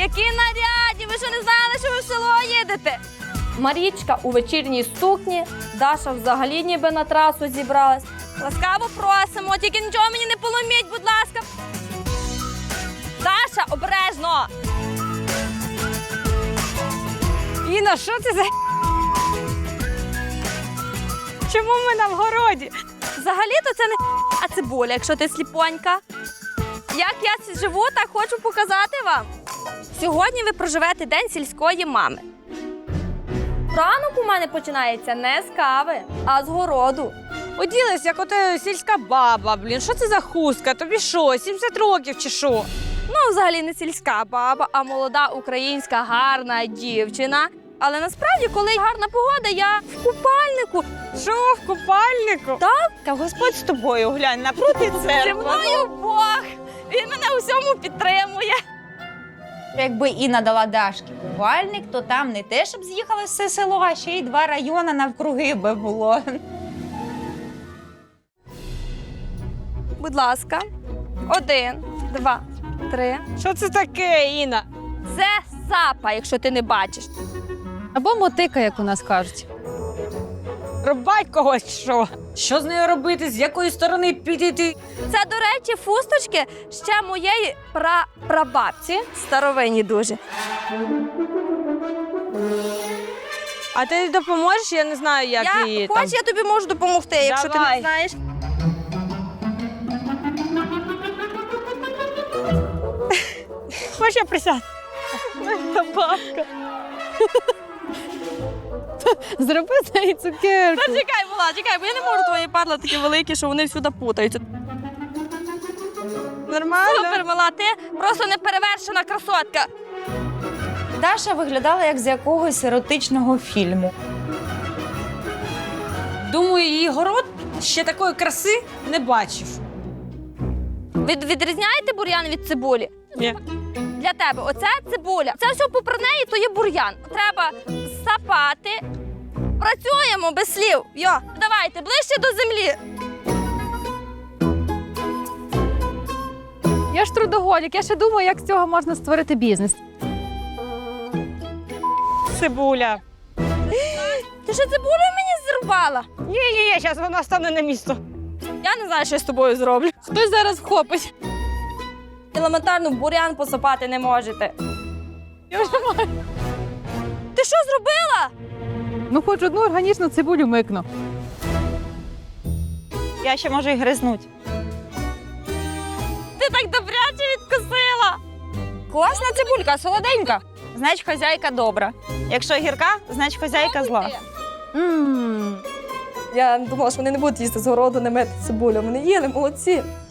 Які нарядні! Ви що не знали, що ви в село їдете? Марічка у вечірній сукні, Даша взагалі ніби на трасу зібралась. Ласкаво просимо, тільки нічого мені не поломіть, будь ласка. Даша, обережно! Іна, що це за... Чому ми на вгороді? Взагалі-то це не а цибуля, якщо ти сліпонька. Як я живу, так хочу показати вам. Сьогодні ви проживете день сільської мами. Ранок у мене починається не з кави, а з городу. Оділась, як ота сільська баба, блін. Що це за хустка? Тобі що, 70 років чи що? Ну, взагалі не сільська баба, а молода українська гарна дівчина. Але насправді, коли гарна погода, я в купальнику. Що, в купальнику? Так. Та Господь з тобою, глянь, напроти Зі церкви. мною Бог. Він мене у всьому підтримує. Якби Інна дала Дашки купальник, то там не те, щоб з'їхали все село, а ще й 2 райони навкруги би було. Будь ласка. 1, 2, 3. Що це таке, Інна? Це сапа, якщо ти не бачиш. Або мотика, як у нас кажуть. Рубать когось, що? Що з нею робити? З якої сторони підійти? Це, до речі, фусточки ще моєї прабабці. Старовинні дуже. А ти допоможеш? Я не знаю, як її там. Я тобі можу допомогти, якщо ти Давай. не знаєш. Хочеш я присяду? Бабка. Зроби з неї цукерку. Та чекай, Була, чекай, бо я не можу, твої парла такі великі, що вони всюди путаються. Нормально? Супер, мала, ти просто неперевершена красотка. Даша виглядала як з якогось еротичного фільму. Думаю, її город ще такої краси не бачив. Відрізняєте бур'ян від цибулі? Ні. Для тебе оце цибуля. Це все попри неї, то є бур'ян. Треба сапати. Працюємо без слів. Йо, давайте, ближче до землі. Я ж трудоголік, я ще думаю, як з цього можна створити бізнес. Цибуля. Ти що цибулю мені зірвала? Ні, зараз вона стане на місто. Я не знаю, що я з тобою зроблю. Хтось зараз вхопить. Елементарно в бур'ян посапати не можете. Я вже маю. Ти що зробила? Ну, хоч одну органічну цибулю микну. Я ще можу і гризнуть. Ти так добряче відкусила. Класна цибулька, солоденька. Значить, хазяйка добра. Якщо гірка, значить хазяйка зла. Ммм. Я думала, що вони не будуть їсти з городу, не мити цибулю. Вони їли, молодці.